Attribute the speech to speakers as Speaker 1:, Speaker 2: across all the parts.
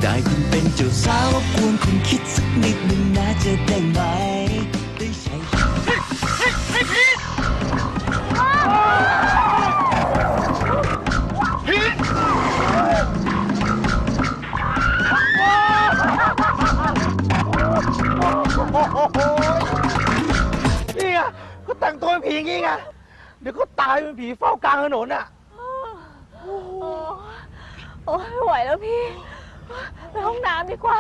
Speaker 1: ได้คุณเป็นเจ้าสาวรบกวนคุณคิดสักนิดหนึ่งนะจะได้ไหมได้ใช้
Speaker 2: นี่ไงเขาแต่งตัวเป็นผีอย่างงี้ไงเดี๋ยวเขาตายเป็นผีเฝ้ากลางถนนอ่ะ
Speaker 3: โอ้ยไม่ไหวแล้วพี่ ไปห้องน้ำดีกว่า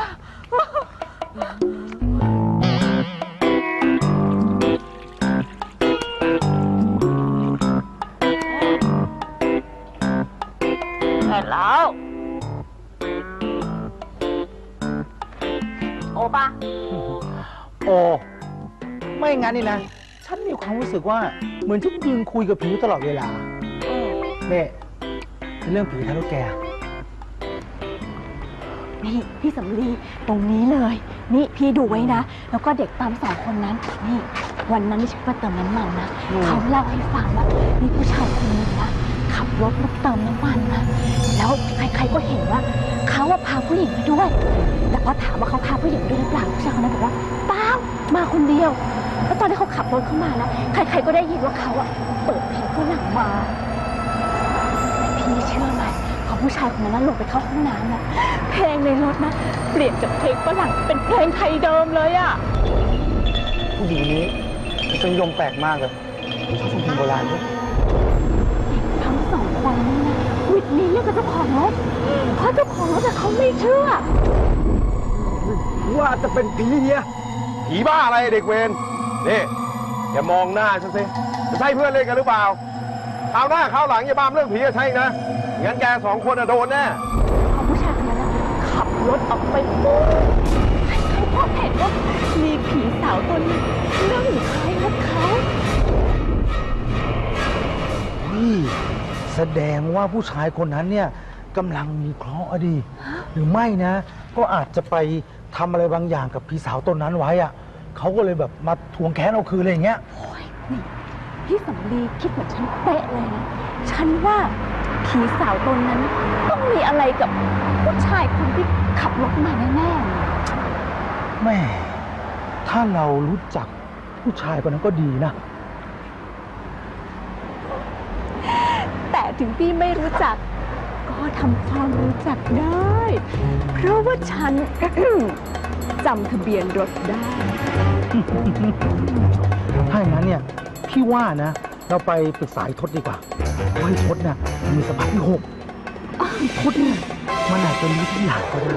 Speaker 3: เสร็จแล้ว โอปะ
Speaker 2: โอ้ไม่งั้นนี่นะ ฉันมีความรู้สึกว่าเหมือนฉันยืนคุยกับผีตลอดเวลาเนี่ยเป็นเรื่องผีทะลุแก
Speaker 3: นี่พี่สำลีตรงนี้เลย นี่พี่ดูไว้นะ แล้วก็เด็กปั๊ม2 คนนั้น นี่ วันนั้นที่ฉันมาเติมน้ำมันนะ เขาเล่าให้ฟังว่ามีผู้ชายคนหนึงนะขับรถมาเติมน้ำมันนะแล้วใครๆก็เห็นว่าเขาพาผู้หญิงมาด้วย แต่พอถามว่าเขาพาผู้หญิงมาด้วยหรือเปล่าผู้ชายคนนั้นบอกว่าเปล่ามาคนเดียว แล้วตอนที่เขาขับรถเข้ามานะใครๆก็ได้ยินว่าเขาเปิดเพลงฝรั่งมาพี่เชื่อไหมพอผู้ชายคนนั้นลงไปเข้าห้องน้ำนะเพลงในรถนะเปลี่ยนจากเพลงฝรั่งเป็นเพลงไทยเดิมเลยอะ
Speaker 2: ผู้หญิงนี้เป็นยมแปลกมากเลยชอบฟังเพลงโบราณด้วย
Speaker 3: ทั้ง2 คนนี้นะวิดนี้เรื่องกับเจ้าของรถเพราะเจ้าของรถแต่เขาไม่เชื่อ
Speaker 2: ว่าจะเป็นผีเฮีย
Speaker 4: ผีบ้าอะไรเด็กเวรนี่อย่ามองหน้าฉันสิจะใช่เพื่อนเล่นกันหรือเปล่าคราวหน้าคราวหลังอย่าบ้ามเรื่องผีจะใช่นะงั้นแก2 คนโดนแน่
Speaker 3: พอผู้ชายคนนั้นนะขับรถออกไปปุ๊บใครๆก็เห็นว่ามีผีสาวตัวนี้นั่งอยู่ท้ายรถเขา
Speaker 2: นี่แสดงว่าผู้ชายคนนั้นเนี่ยกำลังมีเคราะห์อะดีหรือไม่นะ ก็อาจจะไปทำอะไรบางอย่างกับพี่สาวตนนั้นไว้อะเขาก็เลยแบบมาทวงแค้นเอาคืนอะไรอย่างเงี้ย
Speaker 3: โอ้ยนี่พี่สำลีคิดเหมือนฉันเป๊ะเลยนะฉันว่าผีสาวตนนั้นต้องมีอะไรกับผู้ชายคนที่ขับรถมาแน่ๆเลย
Speaker 2: แม่ถ้าเรารู้จักผู้ชายคนนั้นก็ดีนะ
Speaker 3: แต่ถึงพี่ไม่รู้จักก็ทำความรู้จักได้ เพราะว่าฉัน จำทะเบียนรถได้
Speaker 2: ถ้าอย่างนั้นเนี่ยพี่ว่านะ เราไปปรึกษาไอ้ทศดีกว่าเพราะไอ้ทศเนี่ยมันมีสมบัติที่6ไอ้ทศเนี่ยมันอาจจะรู้ทุกอย่างก็ได้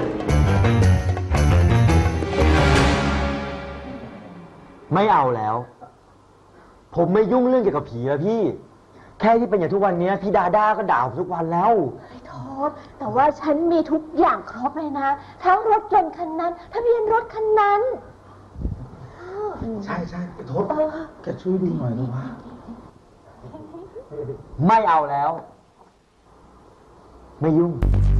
Speaker 5: ไม่เอาแล้ว ผมไม่ยุ่งเรื่องเกี่ยวกับผีแล้วพี่ แค่ที่เป็นอย่างทุกวันนี้พี่ดาด้าก็ด่าผมทุกวันแล้ว
Speaker 3: โทษแต่ว่าฉันมีทุกอย่างครบเลยนะ ทั้งรถยนต์คันนั้นทะเบียนรถคันนั้น
Speaker 2: ใช่ใช่ไอ้ทศแกช่วยดูหน่อยนะว่า
Speaker 5: ไม่เอาแล้ว ไม่ยุ่ง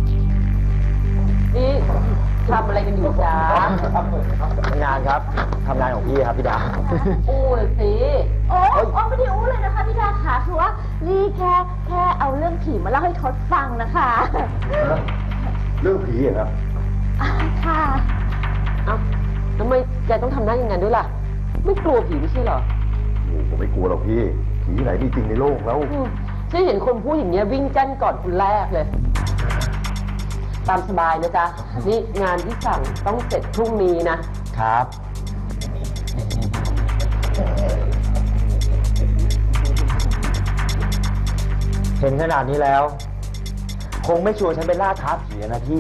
Speaker 6: นี่ทำอะไรกันอยู่จ๊ะ
Speaker 5: ทำงานครับทำงานของพี่ครับพี่ดา
Speaker 6: อู้เลยสิ
Speaker 3: โอ้ไม่ได้อู้เลยนะคะพี่ดาค่ะคือว่านี่แค่เอาเรื่องผีมาเล่าให้ทศฟังนะคะ
Speaker 4: เรื่องผีเหรอ
Speaker 3: ค่ะ
Speaker 6: เอ้าทำไมแกต้องทำหน้าอย่างนั้นด้วยล่ะ ไม่กลัวผีไม่ใช่เหรอ
Speaker 4: โอ้ผมไม่กลัวหรอกพี่ผีไหนมีจริงในโลกแล้ว
Speaker 6: ฉันเห็นคนพูดอย่างเงี้ยวิ่งกั้นก่อนคนแรกเลย ตามสบายนะจ๊ะ นี่งานที่สั่งต้องเสร็จพรุ่งนี้นะ
Speaker 5: ครับ เห็นขนาดนี้แล้ว คงไม่ชวนฉันไปล่าท้าผีนะพี่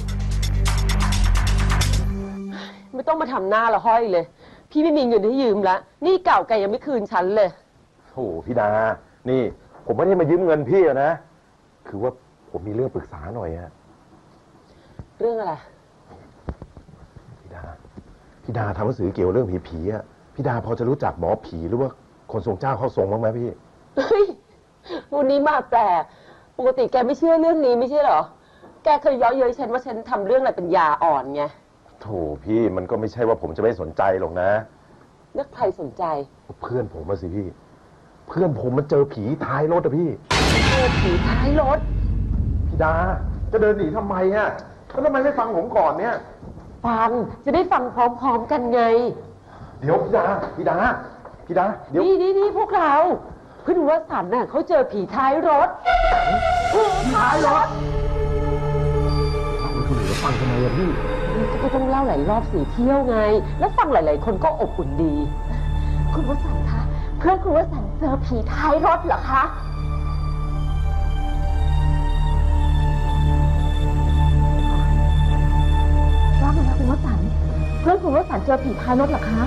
Speaker 6: ไม่ต้องมาทำหน้าละห้อยเลย พี่ไม่มีเงินให้ยืมละหนี่เก่าแกยังไม่คืนฉันเลย
Speaker 4: โอ้พี่ดา นี่ผมไม่ได้มายืมเงินพี่นะ คือว่าผมมีเรื่องปรึกษาหน่อยอะ
Speaker 6: เรื่องอะไร
Speaker 4: พี่ดาทำหนังสือเกี่ยวเรื่องผีๆอะพี่ดาพอจะรู้จักหมอผีหรือว่าคนทรงเจ้าเข้าทรงบ้างไหมพี่
Speaker 6: เฮ้ยวันนี้มาแปลก ปกติแกไม่เชื่อเรื่องนี้ไม่ใช่เหรอ แกเคยเย้อเย้ยฉันว่าฉันทำเรื่องอะไรเป็นยาอ่อนไง
Speaker 4: โถพี่มันก็ไม่ใช่ว่าผมจะไม่สนใจหรอกนะ
Speaker 6: แล้วใครสนใจ
Speaker 4: เพื่อนผมมาสิพี่ เพื่อนผมมันเจอผีท้ายรถอะพี่
Speaker 6: เจอผีท้ายรถ
Speaker 4: พี่ดา จะเดินหนีทำไมอะแล้วทำไมไม่ฟังผมก่อนเนี่ย
Speaker 6: ฟัง จะได้ฟังพร้อมๆกันไง
Speaker 4: เดี๋ยวพี่ดา เดี๋ยว
Speaker 6: นี่พวกเรา เพื่อนวสันต์น่ะเขาเจอผีท้ายรถ ผีท้ายรถฟังทำไมอะพี่ก็ต้องเล่าหลายรอบสี่เที่ยวไง แล้วฟังหลายๆคนก็อบอุ่นดี
Speaker 3: คุณวสันต์คะ เพื่อนคุณวสันต์เจอผีท้ายรถเหรอคะ ว่าไงคะคุณวสันต์เพื่อนคุณวสันต์เจอผีท้ายรถเหรอคะ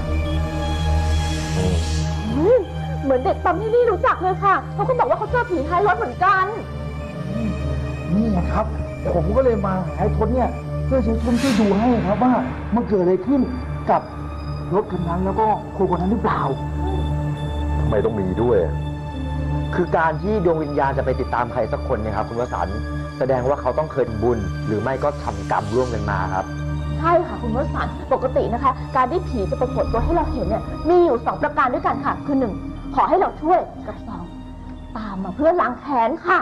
Speaker 3: เหมือนเด็กปั๊มที่นี่รู้จักเลยค่ะเขาก็บอกว่าเขาเจอผีท้ายรถเหมือนกัน
Speaker 2: นี่ไงครับ ผมก็เลยมาหาไอ้ทศเนี่ยเพื่อช่วยดูให้ครับว่ามันเกิดอะไรขึ้นกับรถคันนั้นแล้วก็คนนั้นหรือเปล่า
Speaker 4: ทำไมต้องมีด้วย
Speaker 5: คือการที่ดวงวิญญาณจะไปติดตามใครสักคนเนี่ยครับคุณวสันต์แสดงว่าเขาต้องเคยทำบุญ หรือไม่ก็ทำกรรมร่วมกันมาครับ
Speaker 3: ใช่ค่ะคุณวสันต์ปกตินะคะ การที่ผีจะปรากฏตัวให้เราเห็นเนี่ยมีอยู่2ประการด้วยกันค่ะคือ1ขอให้เราช่วยกับ2ตามมาเพื่อล้างแค้นค่ะ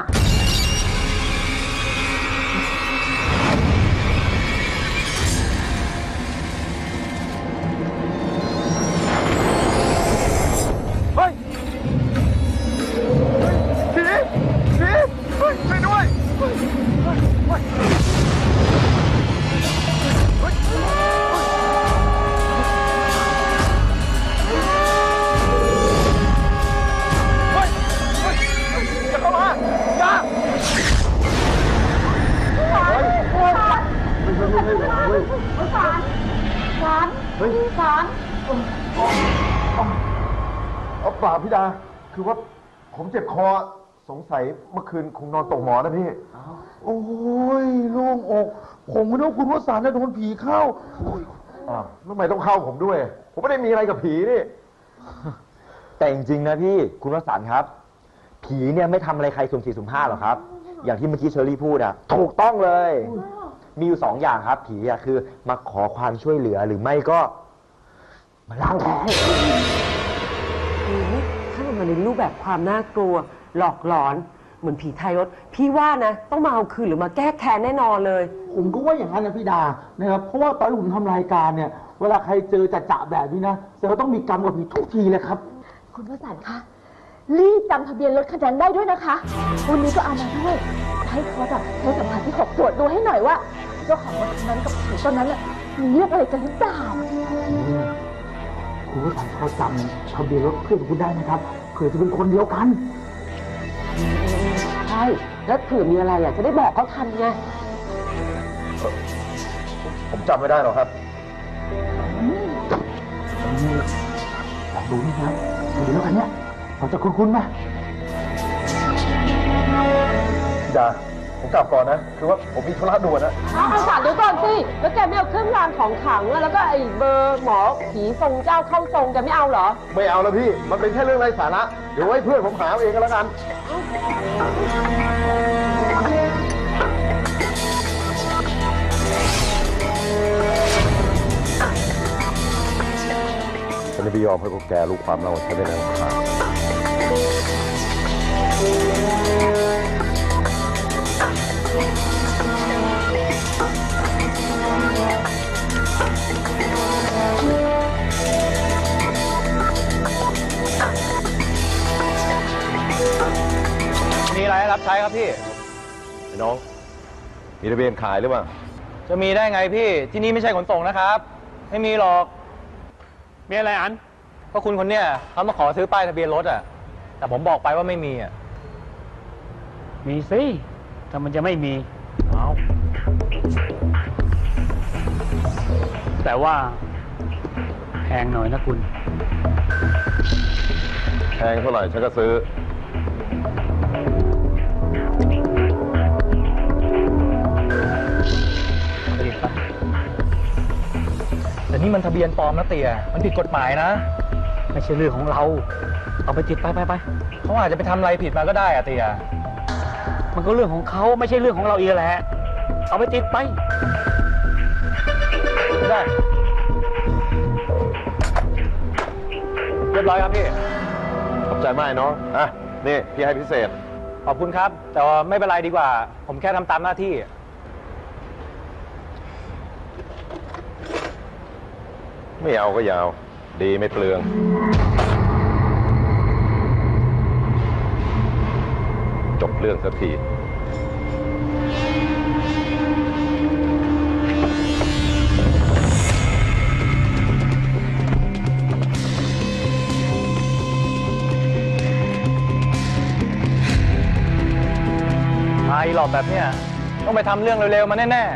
Speaker 4: เฮ้ยผีเฮ้ยช่วยด้วยอย่าเข้ามาอย่าเอาเปล่าพี่ดา คือว่าผมเจ็บคอ สงสัยเมื่อคืนคงนอนตกหมอนนะพี่
Speaker 2: โอ้ยโล่งอก ผมไม่รู้คุณวสันต์โดนผีเข้า
Speaker 4: ทำไมต้องเข้าผมด้วย ผมไม่ได้มีอะไรกับผีนี่
Speaker 5: แต่จริงๆนะพี่คุณวสันต์ครับ ผีเนี่ยไม่ทำอะไรใครสุ่มสี่สุ่มห้าหรอกครับ อย่างที่เมื่อกี้เชอรี่พูดอะถูกต้องเลย มีอยู่2อย่างครับ ผีอะคือมาขอความช่วยเหลือหรือไม่ก็มาล้างแค้น
Speaker 6: ถ้ามันมาในรูปแบบความน่ากลัว หลอกหลอน เหมือนผีท้ายรถ พี่ว่านะ ต้องมาเอาคืนหรือมาแก้แค้นแน่นอนเลย
Speaker 2: ผมก็ว่าอย่างนั้นนะพี่ดานะครับเพราะว่าตอนที่ผมทำรายการเนี่ย เวลาใครเจอจะแบบนี้นะแต่เราต้องมีกรรมกับผีทุกทีเลยครับ
Speaker 3: คุณวสันต์คะรีบจำทะเบียนรถคันนั้นได้ด้วยนะคะวันนี้ก็เอามาด้วยให้เขาแบบใช้สัมผัสที่6ตรวจดูให้หน่อยว่าเจ้าของรถคันนั้นกับผีต้นนั้นน่ะมีเรื่องอะไรกันหรือเปล่า
Speaker 2: คุณวสันต์พอจำทะเบียนรถเพื่อนคุณได้ไหมครับเผื่อจะเป็นคนเดียวกัน
Speaker 6: ใช่ แล้วเผื่อมีอะไรอ่ะจะได้บอกเขาทันไง
Speaker 4: ผมจำไม่ได้หรอกครับ
Speaker 2: ลองดูนี่ครับทะเบียนรถคันเนี้ยพอจะคุ้นๆไหม
Speaker 4: พี่ดา ผมกลับก่อนนะ คือว่าผมมีธุระด่วนนะ
Speaker 6: เอาสารเดี๋ยวก่อนสิ แล้วแกไม่เอาเครื่องรางของขลังอะแล้วก็ไอ้เบอร์หมอผีทรงเจ้าเข้าทรงแกไม่เอาเหรอ
Speaker 4: ไม่เอาแล้วพี่ มันเป็นแค่เรื่องไร้สาระ เดี๋ยวไว้เพื่อนผมหาเอาเองก็แล้วกัน ฉันไม่ยอมให้พวกแกรู้ความเล่าฉันได้แล้วครับ
Speaker 7: มีอะไรให้รับใช้ครับพี่
Speaker 4: ไอ้น้อง มีทะเบียนขายหรือเปล่า
Speaker 7: จะมีได้ไงพี่ ที่นี่ไม่ใช่ขนส่งนะครับ ไม่มีหรอก มีอะไรอัน ก็คุณคนเนี้ยเขามาขอซื้อป้ายทะเบียนรถอ่ะ แต่ผมบอกไปว่าไม่มีอ่ะ
Speaker 8: มีสิถ้ามันจะไม่มี
Speaker 7: เอา
Speaker 8: แต่ว่าแพงหน่อยนะคุณ
Speaker 4: แพงเท่าไหร่ฉันก็ซื้อ
Speaker 7: แต่นี่มันทะเบียนปลอมนะเตี่ยมันผิดกฎหมายนะ
Speaker 8: ไม่ใช่เรื่องของเรา เอาไปติดไป
Speaker 7: เขาอาจจะไปทำอะไรผิดมาก็ได้อะเตี่ย
Speaker 8: มันก็เรื่องของเขาไม่ใช่เรื่องของเราอีกแหละ เอาไปติดไป
Speaker 7: ได้ เรียบร้อยครับพี่
Speaker 4: ขอบใจมากน้อง อ่ะ นี่ พี่ให้พิเศษ
Speaker 7: ขอบคุณครับ แต่ว่าไม่เป็นไรดีกว่า ผมแค่ทำตามหน้าที่
Speaker 4: ไม่เอาก็อยาว ดีไม่เปลือง จบเรื่องสักที
Speaker 7: มาอีหลอบแบบเนี้ยต้องไปทำเรื่องเร็วๆมาแน่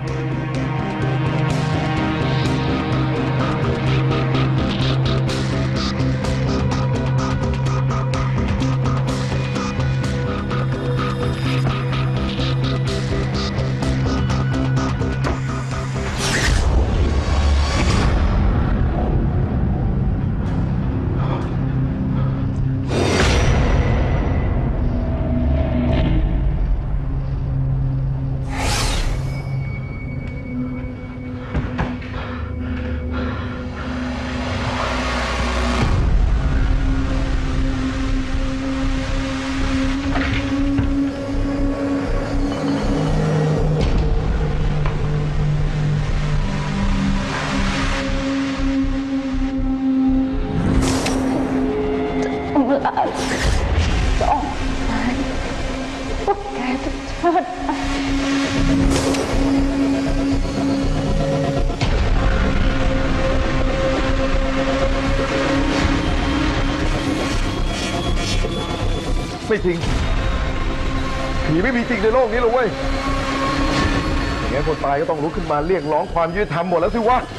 Speaker 4: ไม่จริง ผีไม่มีจริงในโลกนี้หรอกเว้ย อย่างงั้นคนตายก็ต้องลุกขึ้นมาเรียกร้องความยุติธรรมหมดแล้วสิวะ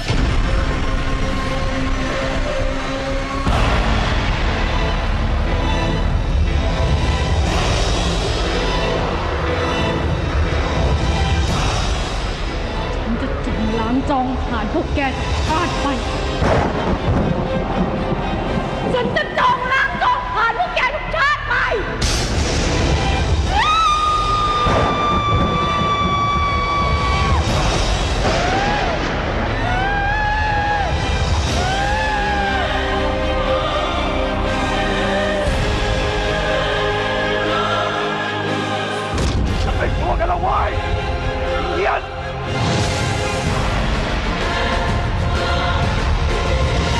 Speaker 9: ฉันจะจองล้างจองผ่านพวกแกจากชาติไป ฉันจะจองล้างจองผ่านพวกแกทุกชาติไป
Speaker 4: ไอ้พวกกันละเว้ย